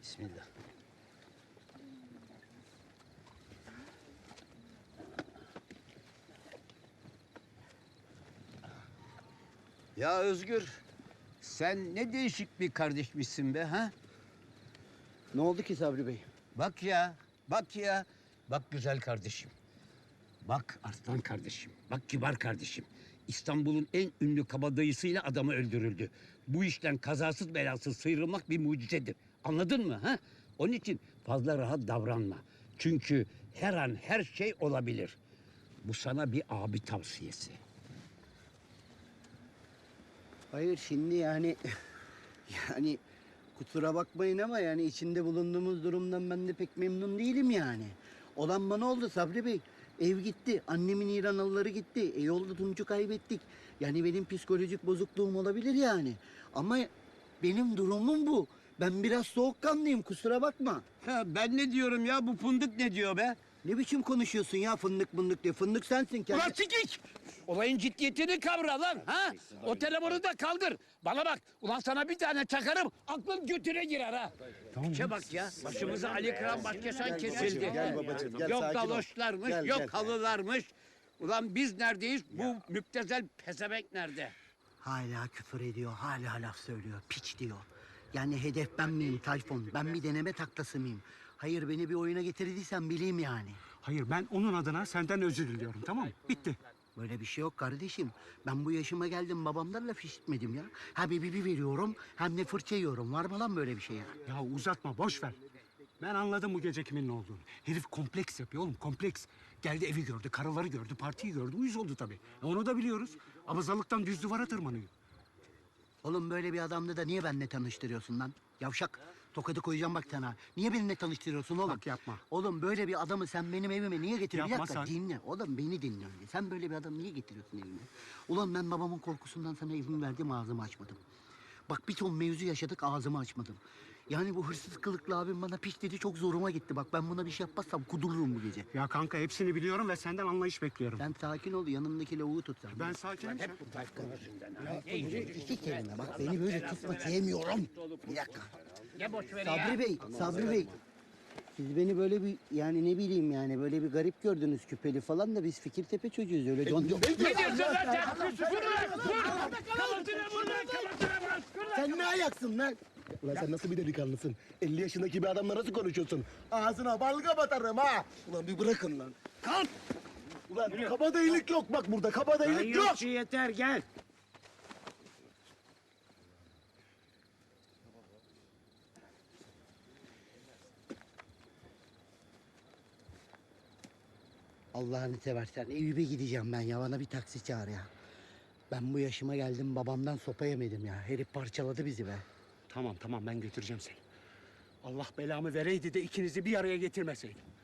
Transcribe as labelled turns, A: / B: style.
A: Bismillah. Ya Özgür, sen ne değişik bir kardeşmişsin be ha?
B: Ne oldu ki Sabri Bey?
A: Bak ya, bak ya. Bak güzel kardeşim. Bak Arslan kardeşim. Bak kibar kardeşim. İstanbul'un en ünlü kabadayısıyla adamı öldürüldü. Bu işten kazasız belasız sıyrılmak bir mucizedir. Anladın mı ha? Onun için fazla rahat davranma. Çünkü her an her şey olabilir. Bu sana bir abi tavsiyesi.
B: Hayır şimdi yani kusura bakmayın ama yani içinde bulunduğumuz durumdan ben de pek memnun değilim yani. Olan bana oldu Sabri Bey. Ev gitti, annemin İranalıları gitti. Yolda Tunç'u kaybettik. Yani benim psikolojik bozukluğum olabilir yani. Ama benim durumum bu. Ben biraz soğukkanlıyım kusura bakma.
A: Ha, ben ne diyorum ya? Bu fındık ne diyor be?
B: Ne biçim konuşuyorsun ya fındık mındık diye. Fındık sensin kendi.
A: Ulan sikik! Olayın ciddiyetini kavra lan ha! O telefonu da kaldır. Bana bak, ulan sana bir tane çakarım, aklın götüne girer ha. Tamam. Bak ya, başımıza Ali Kıran Başkesan kesildi.
B: Gel babacığım, gel,
A: Yok
B: sakin ol.
A: galoşlarmış,
B: Gel,
A: yok
B: gel.
A: halılarmış. Ulan biz neredeyiz? Bu müptezel pezevenk nerede?
B: Hala küfür ediyor, hala laf söylüyor, piç diyor. Yani hedef ben miyim Tayfun? Ben bir deneme taklası mıyım? Hayır beni bir oyuna getirdiysen bileyim yani.
C: Hayır, ben onun adına senden özür diliyorum, tamam mı? Bitti.
B: Böyle bir şey yok kardeşim. Ben bu yaşıma geldim babamdan laf işitmedim ya. Hem bir veriyorum hem de fırça yiyorum. Var mı lan böyle bir şey ya?
C: Ya uzatma, boş ver. Ben anladım bu gece kimin ne olduğunu. Herif kompleks yapıyor oğlum, kompleks. Geldi evi gördü, karıları gördü, partiyi gördü. Uyuz oldu tabii. Onu da biliyoruz. Abazalıktan düz duvara tırmanıyor.
B: Oğlum böyle bir adamla da niye benimle tanıştırıyorsun lan? Yavşak. Tokadı koyacağım bak sana. Niye benimle tanıştırıyorsun oğlum?
C: Bak yapma.
B: Oğlum böyle bir adamı sen benim evime niye getiriyorsun?
C: Yapma
B: Bir dakika,
C: sen.
B: dinle. Oğlum beni dinle önce. Sen böyle bir adamı niye getiriyorsun evime? Ulan ben babamın korkusundan sana evimi verdim ağzımı açmadım. Bak bir ton mevzu yaşadık ağzımı açmadım. Yani bu hırsız kılıklı abim bana piç dedi çok zoruma gitti. Bak ben buna bir şey yapmazsam kudururum bu gece.
C: Ya kanka hepsini biliyorum ve senden anlayış bekliyorum.
B: Sen sakin ol yanımdaki lavuğu tut sen.
C: Ben sakinim.
A: Hep bu Tayfun yüzünden ha.
B: İki kelime bak beni böyle tutma sevmiyorum. Bir dakika.
A: Ne boş ver
B: Sabri
A: ya.
B: Bey, Sabri Bey. Siz beni böyle bir yani ne bileyim yani böyle bir garip gördünüz küpeli falan da biz Fikirtepe çocuğuyuz öyle
A: Ne diyorsun lan sen? Vur lan! Vur! Kalıtına vur lan! Kalıtına bas!
B: Sen ne ayaksın lan?
D: Ulan sen nasıl bir delikanlısın? 50 yaşındaki bir adamla nasıl konuşuyorsun? Ağzına balga batarım ha! Ulan bir bırakın lan.
B: Kalk!
D: Ulan kabadayılık yok bak burada, kabadayılık yok!
C: Yeter, gel.
B: Allah'ını seversen Eyüp'e gideceğim ben ya bana bir taksi çağır ya. Ben bu yaşıma geldim babamdan sopa yemedim ya. Herif parçaladı bizi be.
C: Tamam, ben götüreceğim seni. Allah belamı vereydi de ikinizi bir araya getirmeseydim.